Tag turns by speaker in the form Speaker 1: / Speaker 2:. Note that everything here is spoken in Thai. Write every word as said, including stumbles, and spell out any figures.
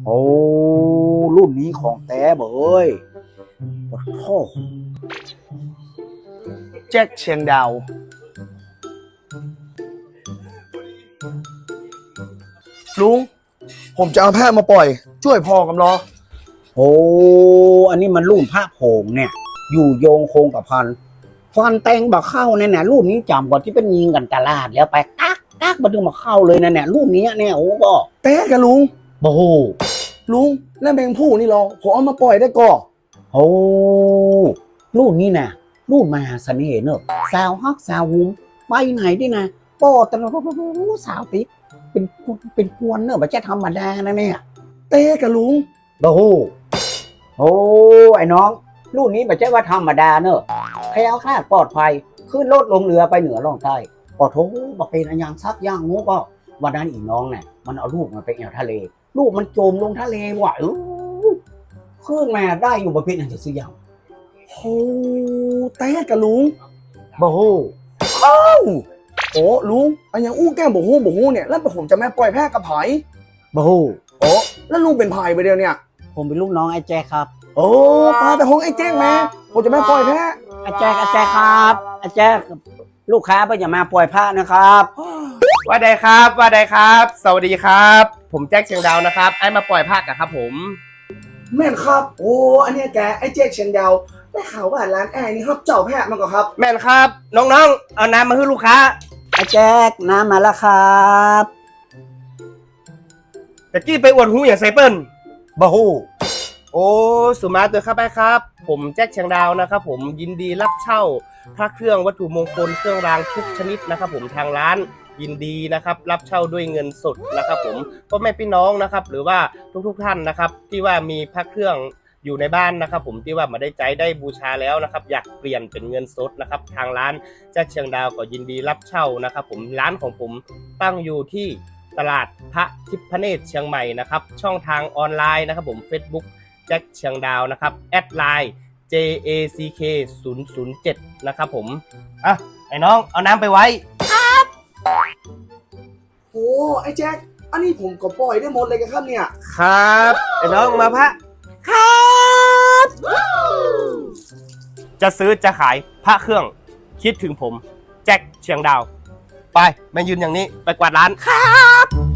Speaker 1: อ้รุ่นนี้ของแต้เบยโอ้โห
Speaker 2: แจ็คเชียงดาวลุงผมจะเอาแพะมาปล่อยช่วยพอกำลอ
Speaker 1: โอ้อันนี้มันรุ่นพระโผงเนี่ยอยู่โยงโคงกับพันฟันแตงบักเข้าเนี่ยนะรุ่นนี้จำกว่าที่เป็นยิงกันตลาดแล้วไปกักกักมาดึงมาเข้าเลยนะเนี่ยรุ่นนี้เนี่ยโอ้ก็
Speaker 2: เต้กับลุง
Speaker 1: โอ้โห
Speaker 2: ลุงแล้วแมงผู้นี่รอผมเอามาปล่อยได้ก่อ
Speaker 1: โอ้รุ่นนี้นะรุ่นมหาเสน่ห์เนอะสาวฮักสาวหุ้มไปไหนดินะโป้ตะสาวติ๊กเป็นเป็นกวนเนอะมันจะธรรมดานะเนี่ย
Speaker 2: เต้กับลุง
Speaker 1: โอ้โหโอ้ไอ้น้องรุ่นนี้ไม่ใช่ว่าธรรมดาเนอะแคล้วคลาดปลอดภัยขึ้นรถลงเรือไปเหนือล่องใต้ปอโถบอกเป็นอันยังซักย่างงูก็วันนั้นอีน้องเนี่ยมันเอาลูกมันไปแอวทะเลลูกมันจมลงทะเลว่ะเออขึ้นมาได้อยู่ประเภทอันจะซื้อยาว
Speaker 2: โอ้เต้กับลุง
Speaker 1: บ่โห
Speaker 2: เอ้าโอ้ลุงอันยังอู้แก้มบ่ฮู้บ่ฮู้เนี่ยแล้วผมจะแม่ปล่อยแพะกับไผ
Speaker 1: บ่โห
Speaker 2: โอ้แล้วลุงเป็นไผไปเดียวเนี่ย
Speaker 1: ผมเป็นลูกน้องไอ้แจ๊คครับ
Speaker 2: โอ้ปลาแต่ห้องไอ้แจ๊คแม่ผมจะแม่ปล่อยแพะ
Speaker 1: ไอ้แจ๊คไอ้แจ๊คครับไอ้แจ๊คลูกค้าไปอย่ามาปล่อยผ้านะครับ
Speaker 3: ว่าใดครับว่าใดครับสวัสดีครับผมแจ็คเชียงดาวนะครับไอ้มาปล่อยภาคกันครับผม
Speaker 2: แม่นครับโอ้อันนี้แกไอ้แจ็คเชียงดาวได้ข่าวว่าร้านแอร์นี่ครับเจ้าแพะมาก่อนครับ
Speaker 3: แม่นครับน้องๆเอาน้ำมาให้ลูกค้า
Speaker 1: ไอ้แจ๊คน้ำมาแล้วครับ
Speaker 3: ตะกี้ไปอวดหูอย่างไซเปิล
Speaker 1: บ่ฮู้
Speaker 3: โอ้สุมาเตอร์ครับไปครับผมแจ็คเชียงดาวนะครับผมยินดีรับเช่าพระเครื่องวัตถุมงคลเครื่องรางทุกชนิดนะครับผมทางร้านยินดีนะครับรับเช่าด้วยเงินสดนะครับผมพ่อแม่พี่น้องนะครับหรือว่าทุกๆท่านนะครับที่ว่ามีพระเครื่องอยู่ในบ้านนะครับผมที่ว่ามาได้ใจได้บูชาแล้วนะครับอยากเปลี่ยนเป็นเงินสดนะครับทางร้านแจ็คเชียงดาวก็ยินดีรับเช่านะครับผมร้านของผมตั้งอยู่ที่ตลาดพระทิพเนตรเชียงใหม่นะครับช่องทางออนไลน์นะครับผม Facebook แจ็คเชียงดาวนะครับแอดไลน์ เจ เอ ซี เค ศูนย์ ศูนย์ เจ็ด นะครับผมอ่ะไอ้น้องเอาน้ำไปไว้ครับ
Speaker 2: โอ้ไอ้แจ็คอันนี้ผมก็ปล่อยได้หมดเลยครับเนี่ย
Speaker 3: ครับไอ้น้องมาพระ
Speaker 1: ครับ
Speaker 3: จะซื้อจะขายพระเครื่องคิดถึงผมแจ็คเชียงดาวไปมายืนอย่างนี้ไปกวาดร้าน
Speaker 1: ครับ